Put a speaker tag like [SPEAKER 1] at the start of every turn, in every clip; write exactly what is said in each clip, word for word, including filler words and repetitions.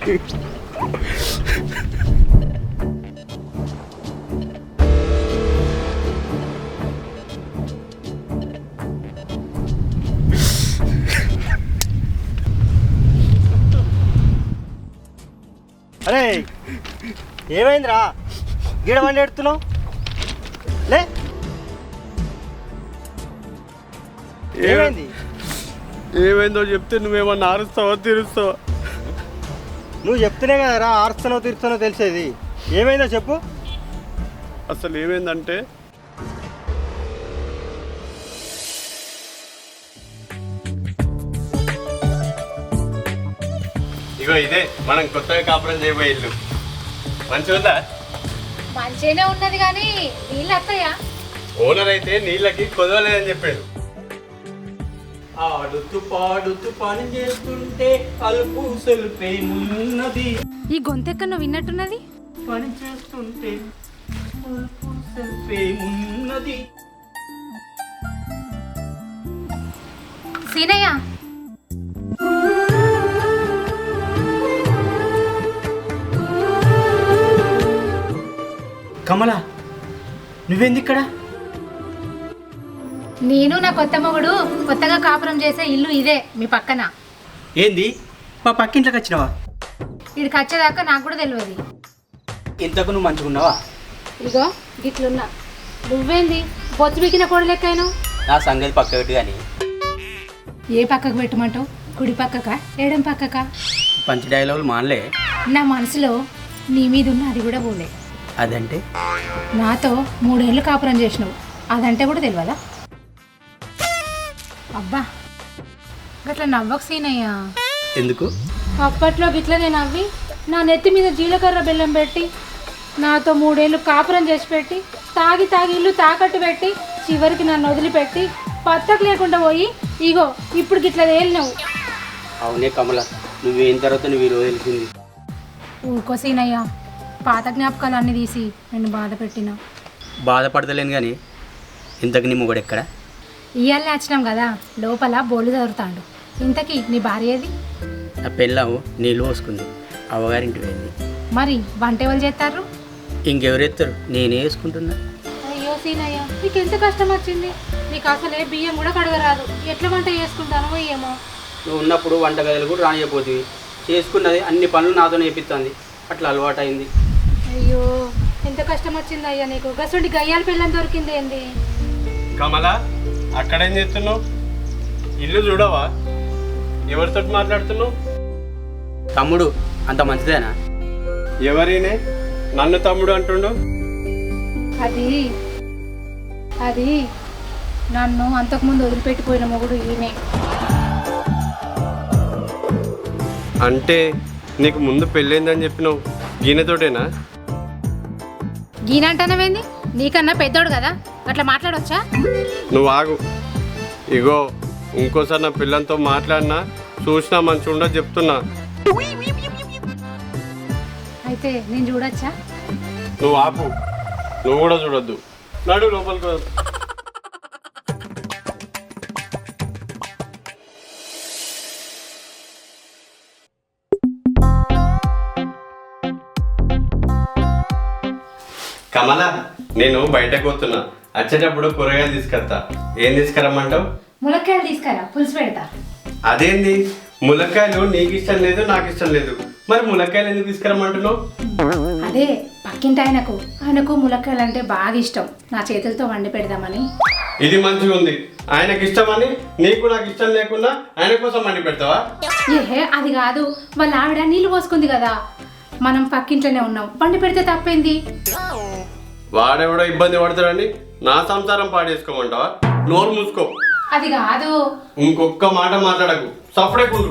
[SPEAKER 1] అరే ఏమైందిరా గీడ వండి ఎడుతున్నావు లే ఏమైంది
[SPEAKER 2] ఏమైందో చెప్తే నువ్వేమన్నా ఆరుస్తావా తీరుస్తావా?
[SPEAKER 1] నువ్వు చెప్తేనే కదరా ఆరుస్తానో తీరుస్తానో తెలిసేది. ఏమైందో చెప్పు.
[SPEAKER 2] అసలు ఏమైందంటే ఇగో ఇదే మనం కొత్తగా కాపురం చేయబోయే ఇల్లు. మంచిగా
[SPEAKER 3] మంచిగానే ఉన్నది కానీ నీళ్ళు వస్తాయా?
[SPEAKER 2] ఓనర్ అయితే నీళ్ళకి కొదవలేదని చెప్పాడు. ఆడుతూ పాడుతూ పని చేస్తుంటే అలుపు సెల్పేమున్నది.
[SPEAKER 3] ఈ గొంతెక్క నువ్వు విన్నట్టున్నది.
[SPEAKER 2] పని చేస్తుంటే అలుపు సెల్పేమున్నది.
[SPEAKER 3] సీనయ్య
[SPEAKER 1] కమలా నువ్వేంది ఇక్కడ?
[SPEAKER 3] నేను నా కొత్త మొగుడు కొత్తగా కాపురం చేసే ఇల్లు ఇదే మీ పక్కన.
[SPEAKER 1] ఏంది మా పక్కింట్లోకి వచ్చినావా?
[SPEAKER 3] ఇక్కడికి వచ్చేదాకా నాకు కూడా తెలియదు.
[SPEAKER 1] ఇంతకు నువ్వు మంచుకున్నావా?
[SPEAKER 3] ఇగో గిట్లున్నా. నువ్వేంది బొచ్చు బిగిన కోడి లెక్కను?
[SPEAKER 1] నా సంగతి పక్క పెట్టి కానీ
[SPEAKER 3] ఏ పక్కకు పెట్టమంటావు? కుడి పక్కకా ఎడం పక్కకా?
[SPEAKER 1] పంచి డైలాగులు మానలే.
[SPEAKER 3] నా మనసులో నీ మీద ఉన్న అది కూడా పోలే.
[SPEAKER 1] అదంటే
[SPEAKER 3] నాతో మూడేళ్ళు కాపురం చేసినావు, అదంటే కూడా తెలియదా? అబ్బా గట్లా నవ్వకు సీనయ్యా.
[SPEAKER 1] ఎందుకు?
[SPEAKER 3] అప్పట్లో గిట్లనే నవ్వి నా నెత్తి మీద జీలకర్ర బెల్లం పెట్టి నాతో మూడేళ్ళు కాపురం చేసి పెట్టి తాగి తాగి ఇల్లు తాకట్టు పెట్టి చివరికి నన్ను వదిలిపెట్టి పత్తకు లేకుండా పోయి ఇగో ఇప్పుడు గిట్ల తేలినావు.
[SPEAKER 1] అవునే కమల, నువ్వేం తర్వాత నువ్వు ఈరోజు తెలిసింది.
[SPEAKER 3] ఊకో సీనయ్యా, పాత జ్ఞాపకాలు అన్నీ తీసి నేను బాధ పెట్టినా.
[SPEAKER 1] బాధపడతలేను కానీ ఇంతకు నీ మొగుడు ఎక్కడ?
[SPEAKER 3] ఇయ్యాలని వచ్చినాం కదా, లోపల బోలు చదువుతాడు. ఇంతకీ నీ భార్య ఏది?
[SPEAKER 1] ఆ పెళ్ళాము నీళ్ళు పోసుకుంది, అవ్వగారింటి వెళ్ళింది.
[SPEAKER 3] మరి వంట ఎవరు చేస్తారు?
[SPEAKER 1] ఇంకెవరెత్తారు, నేనే వేసుకుంటున్నా.
[SPEAKER 3] అయ్యో సీనయ్య, నీకు ఎంత కష్టం వచ్చింది. నీకు అసలే బియ్యం కూడా కడగరాదు, ఎట్లా వంట చేసుకుంటానో ఏమో.
[SPEAKER 1] నువ్వు ఉన్నప్పుడు వంట గదిలు కూడా రానియపోతుంది, చేసుకున్నది అన్ని పనులు నాతో నేర్పిస్తుంది, అట్లా అలవాటు అయింది.
[SPEAKER 3] అయ్యో ఎంత కష్టం వచ్చింది అయ్యా నీకు. గసండి గయ్యాల పిల్లని దొరికింది ఏంది?
[SPEAKER 2] కమల అక్కడేం చేస్తున్నావు? ఇల్లు చూడవా? ఎవరితో మాట్లాడుతున్నావు?
[SPEAKER 1] తమ్ముడు అంత మంచిదేనా?
[SPEAKER 2] ఎవరినే నన్ను తమ్ముడు అంటుండు?
[SPEAKER 3] అది అది నన్ను అంతకుముందు వదిలిపెట్టిపోయిన మొగుడు ఈయనే.
[SPEAKER 2] అంటే నీకు ముందు పెళ్ళైందని చెప్పినావు, గీనతోటేనా?
[SPEAKER 3] గీనంటానవేంది? నీకన్నా పెద్దోడు కదా, అట్లా మాట్లాడవచ్చా?
[SPEAKER 2] నువ్వు ఆగు. ఇగో ఇంకోసారి నా పిల్లలతో మాట్లాడినా చూసినా మంచి ఉండదు చెప్తున్నా.
[SPEAKER 3] అయితే నేను చూడొచ్చా?
[SPEAKER 2] నువ్వు ఆపు, నువ్వు కూడా చూడొద్దు. నడు లోపలికి. కమల, నేను బయటకు పోతున్నా, వచ్చేటప్పుడు కూరగాయలు తీసుకొస్తా. ఏం తీసుకురమ్మంటావు?
[SPEAKER 3] ములక్కాయలు తీసుకురా, పులుసు పెడతా.
[SPEAKER 2] అదేంది, ములక్కాయలు నీకు ఇష్టం లేదు నాకు ఇష్టం లేదు, మరి ములక్కాయలు ఎందుకు తీసుకురమ్మంటున్నావు?
[SPEAKER 3] అదే పక్కింటి ఆయనకు ఆయనకు ములక్కాయలు అంటే బాగా ఇష్టం, నా చేతులతో వండి పెడదామని.
[SPEAKER 2] ఇది మంచిగా ఉంది. ఆయనకి ఇష్టమని నీకు నాకు ఇష్టం లేకుండా ఆయన కోసం వండి పెడతావా?
[SPEAKER 3] ఏహే అది కాదు, వాళ్ళ ఆవిడ నీళ్ళు పోసుకుంది కదా, మనం పక్కింట్లోనే ఉన్నాం, వండి పెడితే తప్పేంది?
[SPEAKER 2] వాడెవడో ఇబ్బంది పడతాడని నా సంసారం పాడేసుకోమంటావా? నోరు మూసుకో.
[SPEAKER 3] అది కాదు.
[SPEAKER 2] ఇంకొక్క మాట మాట్లాడకు, సఫడే కూడు.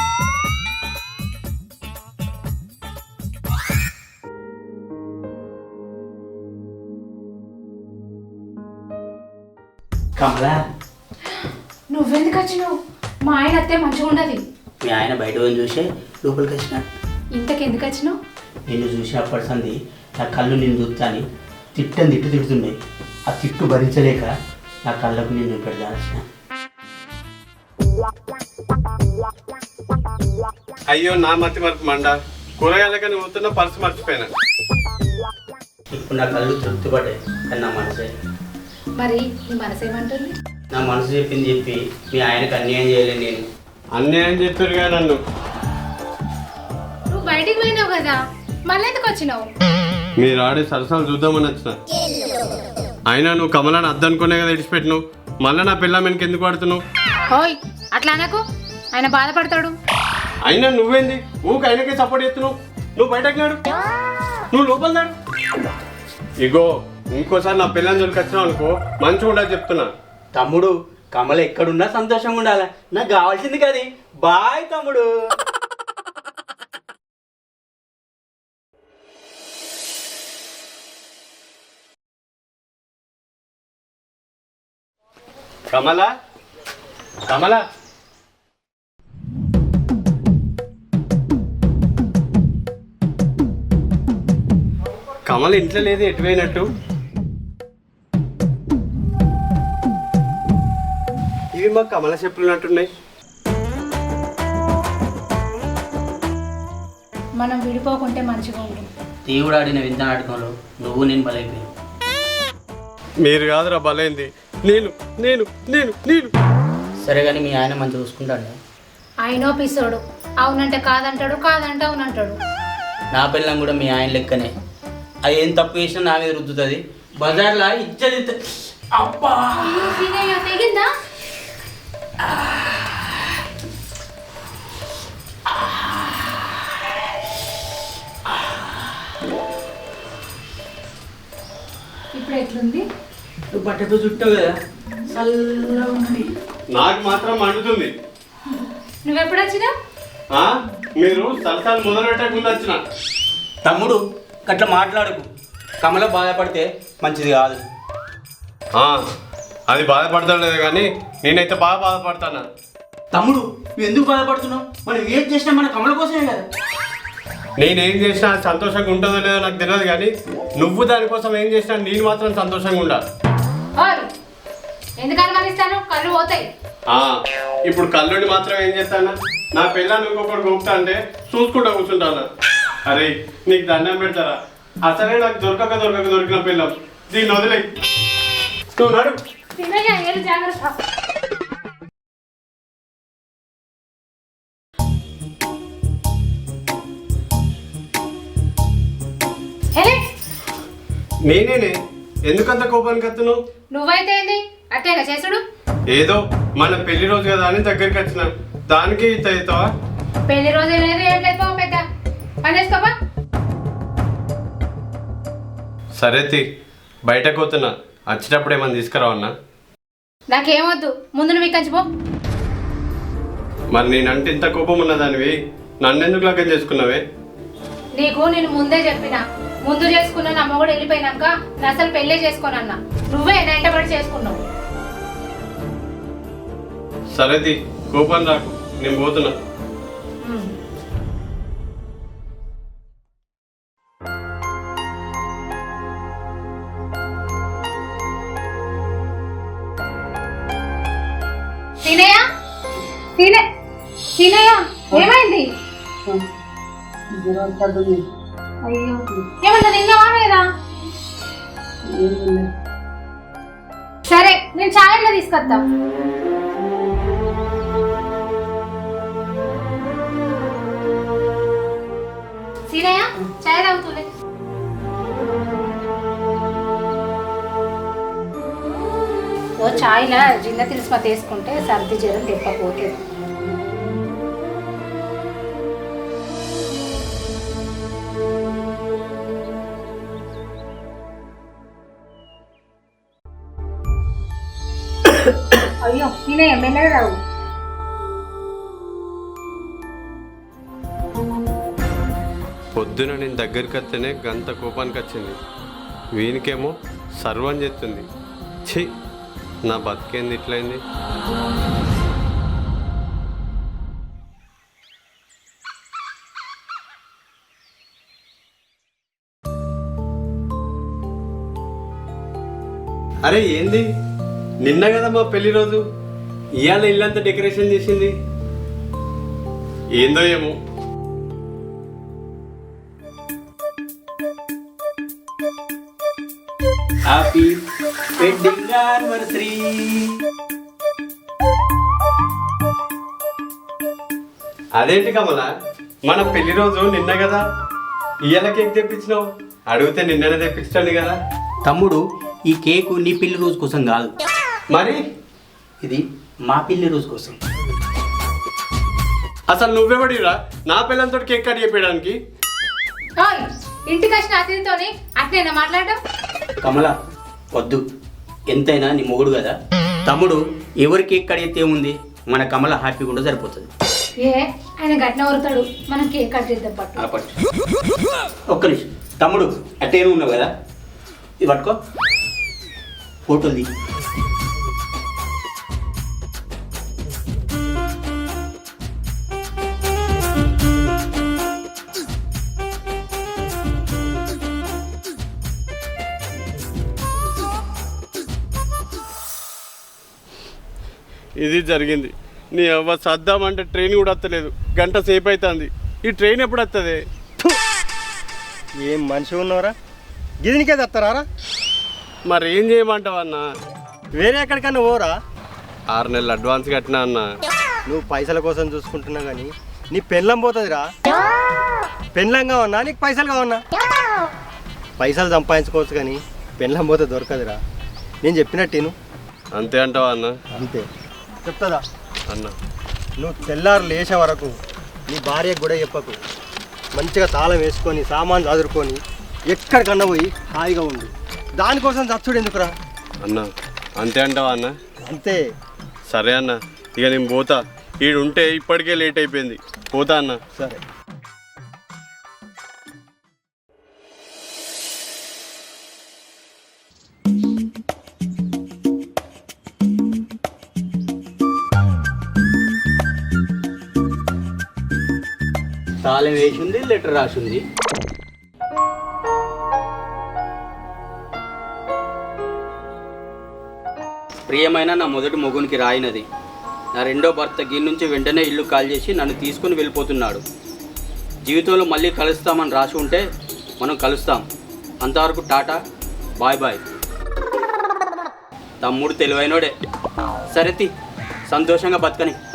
[SPEAKER 1] కమలా,
[SPEAKER 3] నువ్వెందుకు వచ్చినావు? మా ఆయన అత్తే మంచిగా ఉండదు.
[SPEAKER 1] మీ ఆయన బయట పోయి చూసే లోపలికి వచ్చినాడు.
[SPEAKER 3] ఇంతకెందుకు వచ్చినావు?
[SPEAKER 1] నిన్ను చూసినప్పటి సంది నా కళ్ళు నిన్ను చూస్తాని తిట్టని తిట్టు తిడుతుండే, ఆ తిట్టు భరించలేక నా కళ్ళకు నిన్ను పెడదాల్సిన.
[SPEAKER 2] అయ్యో నా మతి మరపు మండ, కూరగాయలకి నువ్వు పోతున్న పర్సు మర్చిపోయినా.
[SPEAKER 1] ఇప్పుడు నా కళ్ళు తృప్తి పడ్డాయి, కానీ నా మనసే
[SPEAKER 3] మరి నీ మనసు ఏమంటుంది?
[SPEAKER 1] నా మనసు చెప్పింది చెప్పి మీ ఆయనకు అన్యాయం చేయలేదు నేను.
[SPEAKER 2] అన్యాయం చెప్పారుగా నన్ను.
[SPEAKER 3] నువ్వు బయటికి పోయినావు కదా, మళ్ళీ ఎందుకు వచ్చినావు?
[SPEAKER 2] మీరు ఆడే సరసాలు చూద్దామని వచ్చిన. అయినా నువ్వు కమలాన్ని అద్దనుకునే కదా ఇడిచిపెట్టినావు, మళ్ళీ నా పిల్ల వెనక ఎందుకు పడుతున్నావు?
[SPEAKER 3] ఓయ్ అట్లా అనకు, ఆయన బాధపడతాడు.
[SPEAKER 2] అయినా నువ్వేంది ఊకి ఆయనకే సపోర్ట్ చేస్తున్నావు? నువ్వు బయటకు నాడు, నువ్వు లోపల నాడు. ఇగో ఇంకోసారి నా పిల్లని జోలికి వచ్చినావు అనుకో మంచిగా ఉండదు చెప్తున్నా.
[SPEAKER 1] తమ్ముడు కమల ఎక్కడున్నా సంతోషంగా ఉండాలి, నాకు కావాల్సింది కది. బాయ్ తమ్ముడు.
[SPEAKER 2] కమల కమల కమల ఇంట్లో లేదు, ఎటుపోయినట్టు? ఇవి మా కమల చెప్పులు ఉన్నట్టున్నాయి.
[SPEAKER 3] మనం విడిపోకుంటే మంచిగా ఉంటుంది.
[SPEAKER 1] దేవుడు ఆడిన వింత నాటకంలో నువ్వు నేను బలైపోయాను.
[SPEAKER 2] మీరు కాదురా బలైంది, నేను నేను నేను నేను
[SPEAKER 1] సరే కానీ మీ ఆయన మంచిగా చూసుకుంటాడు.
[SPEAKER 3] ఆయనో పిసోడు, అవునంటే కాదంటాడు, కాదంటే అవునంటాడు.
[SPEAKER 1] నా పిల్లం కూడా మీ ఆయన లెక్కనే. అది ఏం తప్పు చేసినా నా మీద రుద్దుతుంది. బజార్లో ఇచ్చది అబ్బా
[SPEAKER 3] తెగిందా? ఇప్పుడు ఎట్లుంది?
[SPEAKER 1] నువ్వు బట్టతో చుట్టావు కదా, చల్లగా ఉంది.
[SPEAKER 2] నాకు మాత్రం మండుతుంది.
[SPEAKER 3] నువ్వెప్పుడు వచ్చినా?
[SPEAKER 2] ఆ? మీరు సరసాలు మొదలు పెట్టకుండా వచ్చిన.
[SPEAKER 1] తమ్ముడు అట్లా మాట్లాడుకు, కమల బాధపడితే మంచిది కాదు.
[SPEAKER 2] ఆ, అది బాధపడతలేదు కానీ నేనైతే బాగా బాధపడతాను.
[SPEAKER 1] తమ్ముడు నువ్వు ఎందుకు బాధపడుతున్నావు? మనం ఏం చేసినా మన కమల కోసమే కదా.
[SPEAKER 2] నేనేం చేసినా సంతోషంగా ఉంటుందో లేదో నాకు తెలియదు కానీ నువ్వు దానికోసం ఏం చేసినా నేను మాత్రం సంతోషంగా ఉండాలి.
[SPEAKER 3] ఎందుకు అనుమానిస్తాను? కళ్ళు పోతాయి.
[SPEAKER 2] ఆ, ఇప్పుడు కళ్ళుని మాత్రం ఏం చేస్తాను? నా పిల్లని ఇంకొకటి గొప్ప అంటే చూసుకుంటా కూర్చుంటాను. అరే నీకు దండం పెడతారా? అసలే నాకు దొరకక దొరకక దొరికిన పిల్లం, దీన్ని వదిలే. నువ్వు నడు.
[SPEAKER 3] జాగ్రత్త.
[SPEAKER 2] నేనేనే ఎందుకంత కోపానికి వస్తున్నావు?
[SPEAKER 3] నువ్వైతే ఏంది అట్టేగా చేసుడు?
[SPEAKER 2] ఏదో మన పెళ్లి రోజు కదా అని దగ్గరికి వచ్చిన, దానికి ఇంత అవుతావా?
[SPEAKER 3] పెళ్లి రోజు లేదు ఏం లేదు, బాబు పెద్ద పని చేసుకోపా.
[SPEAKER 2] సరే తి, బయటకు పోతున్నా, వచ్చేటప్పుడు ఏమన్నా తీసుకురావన్నా?
[SPEAKER 3] నాకేమొద్దు, ముందు నువ్వు ఇక్కడి పో.
[SPEAKER 2] మరి నేనంటే ఇంత కోపం ఉన్నదానివి నన్నెందుకు లగ్గం చేసుకున్నావే?
[SPEAKER 3] నీకు నేను ముందే చెప్పిన, ముందు చేసుకున్నా నా మొగుడు వెళ్ళిపోయినాక నేను అసలు పెళ్ళే చేసుకోనన్నా. నువ్వే వెంటబడి చేసుకున్నావు.
[SPEAKER 2] సరే తి, కోపం రాకు, నేను పోతున్నా.
[SPEAKER 3] తినయ్యా, తినే తినయ్యా, ఏమైంది? అయ్యో ఏమన్నా తిన్నావా లేదా? సరే నేను ఛాయలో తీసుకొస్తా. సీనయ్య ఛాయ్ తాగుతులే. ఓ ఛాయ్లా జిన్న తిలిస్మా తీసుకుంటే సర్ది జ్వరం తెప్పపోతుంది. అయ్యో నేనే ఎమ్మెల్యే రావు.
[SPEAKER 2] పొద్దున నేను దగ్గరికి వస్తేనే గంత కోపానికి వచ్చింది, వీనికేమో సర్వం చేస్తుంది. ఛీ, నా బతికేంది ఇట్లయింది? అరే ఏంది, నిన్న కదా మా పెళ్లి రోజు, ఇవాళ ఇల్లంతా డెకరేషన్ చేసింది. ఏందో ఏమో.
[SPEAKER 3] ఏంది?
[SPEAKER 2] నిన్న కదా మా పెళ్లి రోజు, ఇవాళ ఇల్లంతా డెకరేషన్ చేసింది. ఏందో ఏమో.
[SPEAKER 3] సీనయ్య ఛాయ్ తాగుతులే.
[SPEAKER 2] సరే
[SPEAKER 1] హ్యాపీ వెడ్డింగ్ యానివర్సరీ.
[SPEAKER 2] అదేంటి కమల, మన పెళ్లి రోజు నిన్న కదా, ఇయ్యాల కేక్ తెప్పించినావు. అడిగితే నిన్ననే తెప్పించాను కదా.
[SPEAKER 1] తమ్ముడు, ఈ కేకు నీ పెళ్లి రోజు కోసం కాదు,
[SPEAKER 2] మరి
[SPEAKER 1] ఇది మా పెళ్లి రోజు కోసం.
[SPEAKER 2] అసలు నువ్వెవడిరా నా పిల్లలతో కేక్ కట్ చెప్పడానికి?
[SPEAKER 3] ఓయ్, ఇంటికి వచ్చిన అతిథితోని అట్నేనా మాట్లాడడం?
[SPEAKER 1] కమల వద్దు, ఎంతైనా నీ మొగుడు కదా. తమ్ముడు ఎవరి కేక్ కడిగితే ఏముంది, మన కమల హ్యాపీగా ఉంటే సరిపోతుంది.
[SPEAKER 3] ఏ ఆయన గట్న ఊరుతాడు, మనం కేక్ కట్ చేద్దాం పట్టు.
[SPEAKER 1] ఆ పట్టు. ఒక్క నిమిషం తమ్ముడు, అట్టేమో ఉన్నావు కదా, ఇది పట్టుకో, ఫోటోది.
[SPEAKER 2] ఇది జరిగింది. నీ అవ్వ సర్దామంటే ట్రైన్ కూడా వస్తలేదు, గంట సేపు అవుతుంది. ఈ ట్రైన్ ఎప్పుడు వస్తుంది?
[SPEAKER 4] ఏం మనిషి ఉన్నవరా, గిదినికే తెస్తారా?
[SPEAKER 2] మరి ఏం చేయమంటావు అన్న?
[SPEAKER 4] వేరే ఎక్కడికన్నా పోరా.
[SPEAKER 2] ఆరు నెలలు అడ్వాన్స్ కట్టినా అన్న.
[SPEAKER 4] నువ్వు పైసల కోసం చూసుకుంటున్నావు కానీ నీ పెళ్ళం పోతుందిరా. పెళ్ళం కావన్నా నీకు పైసలు కావన్నా? పైసలు సంపాదించుకోవచ్చు కానీ పెళ్ళం పోతే దొరకదురా. నేను చెప్పినట్టు
[SPEAKER 2] అంతే అంటావా అన్న?
[SPEAKER 4] అంతే చెప్తుందా
[SPEAKER 2] అన్న.
[SPEAKER 4] నువ్వు తెల్లారు లేచే వరకు నీ భార్యకు కూడా చెప్పకు. మంచిగా తాళం వేసుకొని సామాన్లు చదువుకొని ఎక్కడికన్నా పోయి హాయిగా ఉండు. దానికోసం చచ్చుడు ఎందుకురా?
[SPEAKER 2] అన్న అంతే అంటావా అన్న?
[SPEAKER 4] అంతే.
[SPEAKER 2] సరే అన్న, ఇక నేను పోతా. ఈడుంటే ఇప్పటికే లేట్ అయిపోయింది, పోతా అన్న.
[SPEAKER 4] సరే.
[SPEAKER 1] తాళం వేసింది, లెటర్ రాసింది. ప్రియమైన నా మొదటి మొగునికి రాయినది. నా రెండో భర్త గీన్ నుంచి వెంటనే ఇల్లు కాల్ చేసి నన్ను తీసుకుని వెళ్ళిపోతున్నాడు. జీవితంలో మళ్ళీ కలుస్తామని రాసి ఉంటే మనం కలుస్తాం. అంతవరకు టాటా, బాయ్ బాయ్. తమ్ముడు తెలివైనోడే. సరే తి, సంతోషంగా బతకని.